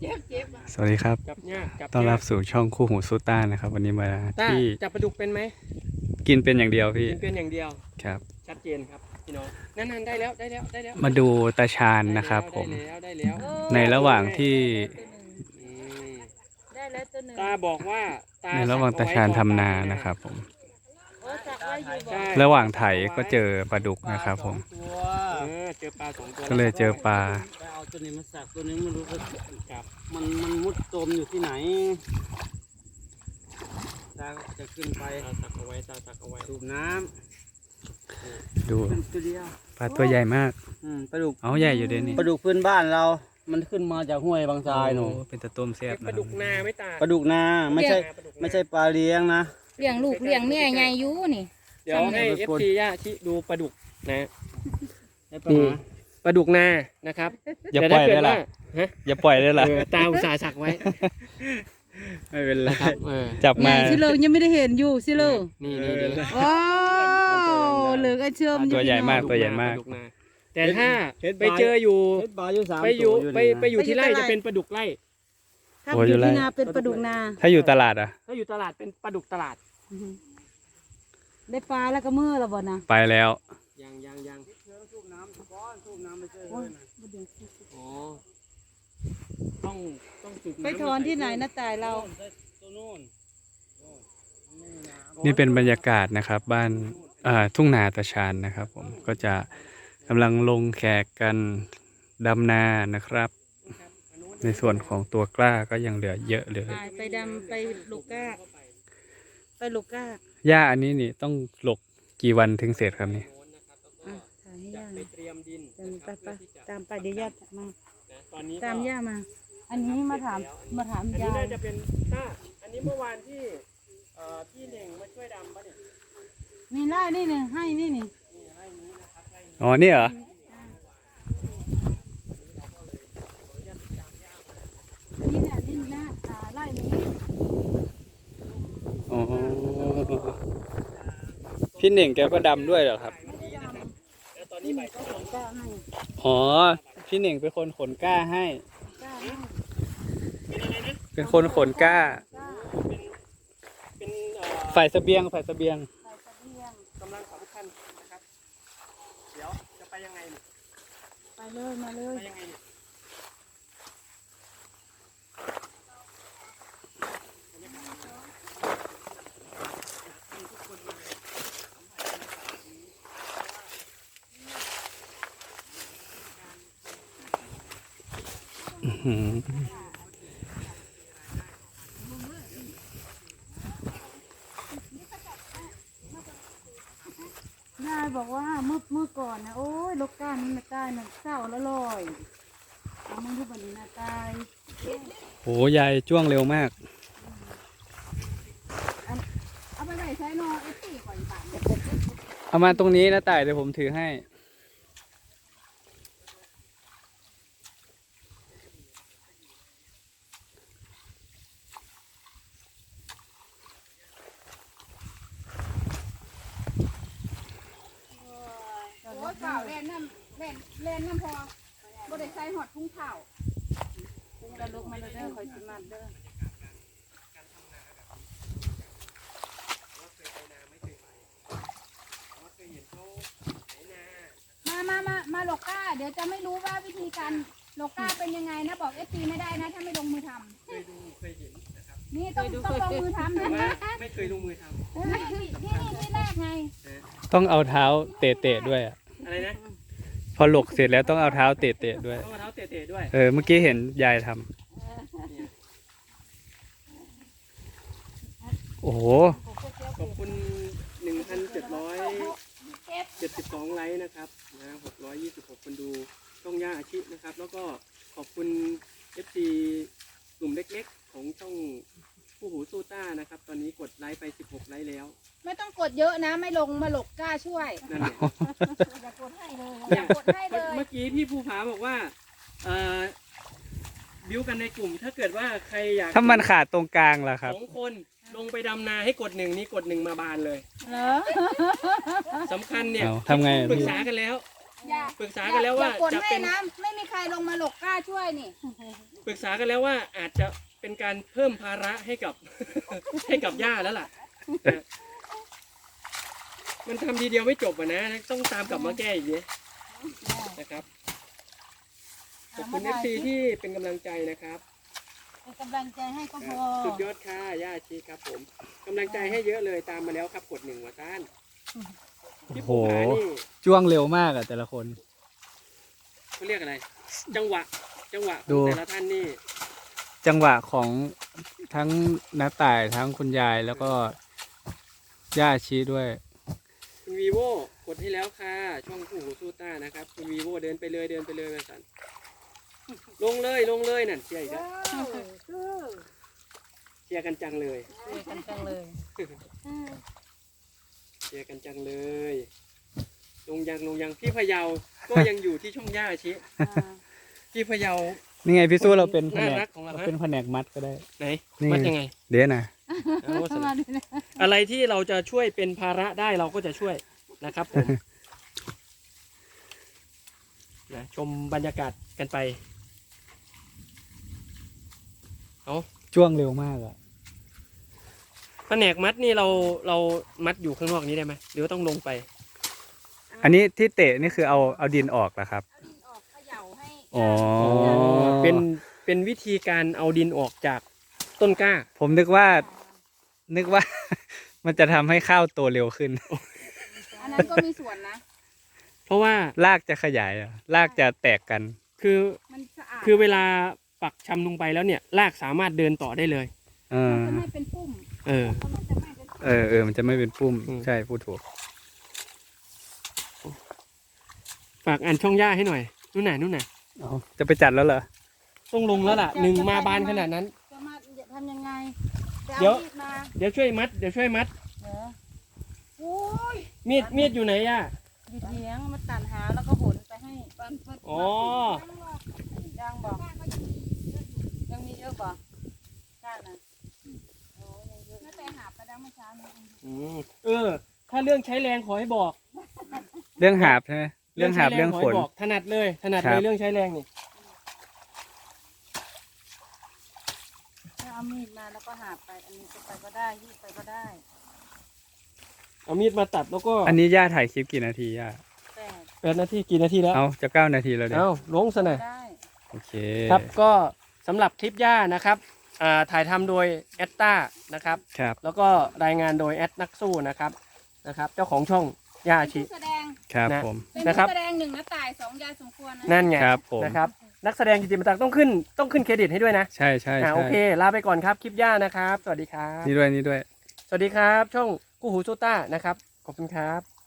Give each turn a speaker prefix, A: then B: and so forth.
A: สวัสดีครับ
B: จับยากจับ
A: ต้อนรับสู่ช่องคู่หูซูต้านะครับวันนี้มาที่
B: จับปลาดุกเป็นไหม
A: กินเป็นอย่างเดียวพี่
B: กินเป็นอย่างเดียว
A: ครับ
B: ชัดเจนครับพี่น้องนั่นได้แล้ว
A: มาดูตาชาญนะครับผม
B: ได้แล้ว
A: ในระหว่างที่
C: ได้แล้วตัวหนึ่ง
B: ตาบอกว่า
A: ในระหว่างตาชาญทำนานะครับผม
C: โอ้สักไว้อยู่บ่
A: ระหว่างไถก็เจอปลาดุกนะครับผม
B: เจอปลา2 ตัว
A: ก็เลยเจอปลา
D: ไปเอาตัวนี้มาสักตัวนี้ไม่รู้ว่า
B: ครับ
D: มันมุดจมอยู่ที่ไหนตาจะขึ้นไป
B: ตาสักเอาไว้
D: สูบน้
A: ดู
D: ำเป็นตัวเดียว
A: ปลาตัวใหญ่มาก
D: ปลาดุก
A: เอาใหญ่อยู่เดี๋ยวนี้
D: ปลาดุกพื้นบ้านเรา มันขึ้นมาจากห้วยบางทรายหนู
A: โอ้เป็นตะต้มแซ่บ
B: ปลาดุกนาไม่ตา
D: ปลาดุกนาไม่ใช่ปลาเลี้ยงนะ
C: เลี้ยงลูกเลี้ยงแม่ใหญ่อยู่นี่
B: เดี๋ยวให้ FC ย่าชิดูปลาดุกนะ
D: ได้ปลา
B: นี่ปลาดุกนานะครับ
A: อย่าปล่อยได้ล่ะ
B: ฮะ
A: อย่าปล่อยได้ล่ะ
B: ตาอุตส่าห์สักไว้
A: ไม่เป็นไร
B: ครับ
A: จับ
C: ให
A: มา
C: ญ่สิเลยยังไม่ได้เห็นอยู่สิเลย
B: นี่
C: ว้าวเหลือก็เชื่อม
A: ตัวใหญ่มากตัวใหญ่มาก
B: ปลดุนาแต่ถ้าไปเจออยู่
D: เห็ดปลาอยู่3
B: ไปอยู่
D: ตัว
B: ไปอยู่ที่ไร่จะเป็นปลาดุกไร่
C: ถ้าอยู่ที่นาเป็นปลาดุกนา
A: ถ้าอยู่ตลาดอ่ะ
B: ถ้าอยู่ตลาดเป็นปลาดุกตลาด
C: ได้ปลาแล้วก็มือแล้วบ่นะ
A: ไปแล้ว
B: ยัง
D: สูบน้ำก้อนสูบน้ำไม่ใช่
C: โอ้ย
B: อ๋อต้องสูบน้ำ
C: ไปถอนที่ไหนนะตายเรา
D: ตัวนู้น
A: นี่เป็นบรรยากาศนะครับบ้านทุ่งนาตาชาญนะครับผมก็จะกำลังลงแขกกันดำนานะครับ ในส่วนของตัวกล้าก็ยังเหลือเยอะเลย
C: ไปดำไปลูกก้าไปลูกก้า
A: หญ้าอันนี้นี่ต้องหลกกี่วันถึงเสร็จครับนี่
C: อ่ะถ่ายให้ย่า
B: ไปเตรียมดิน
C: ไปตามไปเดี๋ยวย่ามา
B: ตอนนี้
C: ตามย่ามา อันนี้มาถาม
B: อันนี้
C: ยาย
B: น่าจะเป็นอันนี้เมื่อวานที่พี่เน่งมาช่วยดำปะเนี่ย
C: นี่ไล่นี่หนึ่งให้นี่นี่
A: อ๋อนี่เหรอ
C: นี่แหละนี่นะไล่นี้
A: อ๋อพี่เน่งแกก็ดำด้วยเหรอครับ
B: แล้วตอนนี้ใบ
C: ก็ขนก้าให้
A: อ๋อพี่เน่งเป็นคนขนกล้าให้
C: ก้าให้
A: เป็นคนขนกล้า
C: ก้า
B: เป็น
A: ฝ่ายเสบียงฝ่ายเสบียง
C: ใส่เสบียง
B: กำลังสำคัญนะครับเดี๋ยวจะไปยังไงเนี่ย
C: ไปเลยมาเลย
B: ไปยังไงเนี่ย
A: อืม
C: ยายบอกว่าเมื่อก่อนนะโอ้ยลูกก้านี่นะตายนะเศร้าละลอยเอามึงดูบันนี้นะตาย
A: โหยายจ้วงเร็วมาก
C: เอาไปไหนใช้นอไอ้ตีก่อนป่าน
A: เอามาตรงนี้นะต่ายเดี๋ยวผมถือให้
C: โอ้ยเปล่าแล่นน้ำพอบ่ได้ใส่หอดทุ่งเท้าทุ่งระลุกมาเลยเด้อคอยสิมาเด้อมาโลก้าเดี๋ยวจะไม่รู้ว่าวิธีการโลก้าเป็นยังไงนะบอกFPไม่ได้นะถ้าไม่ลงมือทำ
B: เคยเห็นนะครับ
C: นี่ต้องลงมือทำนะ
B: ไม่เคยลงมือท
C: นี่แรกไง
A: ต้องเอาเท้าเตะๆด้วยอะ
B: ำอะไรนะ
A: พอหลกเสร็จแล้วต้องเอาเท้าเตะๆด้วย
B: ต้องเอาเท้าเตะๆด้วย
A: เมื่อกี้เห็นยายทำโอ้โห
B: ขอบคุณ 1,772 ไลค์นะครับนะ626 คนดูช่องย่าอาชีพนะครับ แล้วก็ขอบคุณ FC กลุ่มเล็กๆของช่องผู้หูสู้ต้านะครับ ตอนนี้กดไลค์ไป16 ไลค์แล้ว
C: ไม่ต้องกดเยอะนะไม่ลงมาหลกกล้าช่วย
B: นั่นแหละ
C: อย่ากดให้เลยอย่ากดให้เลย
B: เมื่อกี้พี่ภูผาบอกว่าบิวกันในกลุ่มถ้าเกิดว่าใครอยาก
A: ถ้ามันขาดตรงกลางล่ะครับ
B: 2 คนลงไปดำนาให้กด1นี่กด1มาบานเลย
C: เหรอ
B: สำคัญเนี่ย
A: เอาทำไงอะ
B: ปรึก
A: พี่
B: ษากันแล้ว
C: อย่า
B: ปรึกษากันแล้วว่า
C: อย่ากด
B: จะ
C: ให้
B: เป็น
C: นะไม่มีใครลงมาหลกกล้าช่วยนี่
B: ปรึกษากันแล้วว่าอาจจะเป็นการเพิ่มภาระให้กับ ให้กับย่าแล้วล่ะนะมันทำทีเดียวไม่จบอ่ะนะ ต้องตามกลับมาแก้อีกเนี่ยนะครับขอบคุณFCที่เป็นกำลังใจนะครับ
C: เป็นกำลังใจให้ก็พอ
B: สุดยอดค่ะย่าอาชีครับผมกำลังใจให้เยอะเลยตามมาแล้วครับกด1หัวต้าน
A: โอ้
B: พี่
A: โห
B: ภูผานี่
A: จ้วงเร็วมากอะแต่ละคน
B: เขาเรียกอะไร จังหวะข
A: ดู
B: องแต่ละท่านนี่
A: จังหวะของทั้งน้าต่ายทั้งคุณยายแล้วก็ย่าชีด้วย
B: คุณวีโวกดให้แล้วค่ะช่องผู้หูสู้ต้านะครับคุณวีโวเดินไปเลยมาสันลงเลยนั่นเชียร์อีกแล้วเชียร์กันจังเลย
C: เจอกันจังเลย
B: เชียร์กันจังเลย ลงยังพี่พะเยาก็ยังอยู่ที่ช่องย่าชิพี่พะเยา
A: นี่ไงพี่สู้เราเป็นแผน
B: น่าก รักของเรา
A: เรา
B: ฮะ
A: เป็นแผนกมัดก็ได้
B: ไหน
A: นี่
B: มัดยังไง
A: เดี๋ยวนะ
B: เอาส
C: มา
B: นะ
C: ดูนะ
B: อะไรที่เราจะช่วยเป็นภาระได้เราก็จะช่วยนะครับผมนะชมบรรยากาศกันไป
A: จ้วงเร็วมากอะ
B: แผนกมัดนี่เรามัดอยู่ข้างนอกนี้ได้ไหมหรือว่าต้องลงไป
A: อันนี้ที่เตะนี่คือเอาดินออกเหรอครับ
C: เอาดินออกเขย่าให้
A: อ๋อ
B: เป็นวิธีการเอาดินออกจากต้นกล้า
A: ผมนึกว่า มันจะทำให้ข้าวโตเร็วขึ้น
C: อันนั้นก็มีส่วนนะ
B: เพราะว่าร
A: ากจะขยายอะรากจะแตกกัน
B: คือ
C: มันสะอาด
B: คือเวลาปักชำลงไปแล้วเนี่ยรากสามารถเดินต่อได้เลย
A: เอ
C: มัน
A: อ
C: จะไม่เป็นปุ่ม
B: เออ
C: เพราะมันจะไม่เป็นปุ่ม
A: เออมันจะไม่เป็นปุ้ม
B: อืม
A: ใช่พูดถูก
B: ฝากอ่านช่องย่าให้หน่อยนู่นน่ะ
A: อ๋อจะไปจัดแล้วเหรอ
B: ต้องลงแล้วล่ะหนึ่งมาบานขนาดนั้น
C: จะมาทำยังไงไป
B: เดี๋ยว
C: อามีดมา
B: เดี๋ยวช่วยมัด
C: เหรอโอ้ย
B: มีดอยู่ไหนย่า
C: อยู่เถียงมาตัดหาแล้วก็หนไปให้ปัน
B: อ๋อ
C: ยังบอกยังมีเยอะบอกจ้านะโอ้ยยังเยอะน่าจะหาไปดังเมื่อเช้านี้
B: ถ้าเรื่องใช้แรงขอให้บอก
A: เรื่องหาบใช่ไหมเรื่องหาบ
B: ใช้แ
A: เรื่อง
B: ข
A: ฝน
B: ให้บอกถนัดเลย
A: ครับ
B: เรื่องใช้แรงนี่
C: ถ้าเอามีดมาแล้วก็หาไปอันนี้จะไปก็ได้ยืดไปก็ได้
B: เอามีดมาตัดแล้วก็
A: อันนี้ย่าถ่ายคลิปกี่นาทีย่า
C: แต่
B: 8 นาทีกี่นาทีแล้ว
A: เอาจะ9 นาทีแล้วเดี๋ยว
B: เอาลงซะหน่อย
C: ได้
A: โอเค
B: ครับก็สำหรับคลิปย่านะครับถ่ายทำโดยแอตตานะครับ
A: ครับ
B: แล้วก็รายงานโดยแอดนักสู้นะครับเจ้าของช่องย่าอา
C: เป็น
B: ชิ
C: ผู้แสดง
A: ครับ
B: นะ
A: ผม
C: เป็น
B: นะครับ
C: ผู้แสดงหนึ่งนะตายสองยายสมควรนะ
B: นั่นไง
A: ครับผม
B: นะครับนักแสดงกิติมศักดิ์ต้องขึ้นเครดิตให้ด้วยนะ
A: ใช่ใช่ใช่
B: โอเคลาไปก่อนครับคลิปย่านะครับ สวัสดีครับ
A: นี่ด้วยนี่ด้วย
B: สวัสดีครับ ช่องกู้หูซูต้านะครับขอบคุณครับ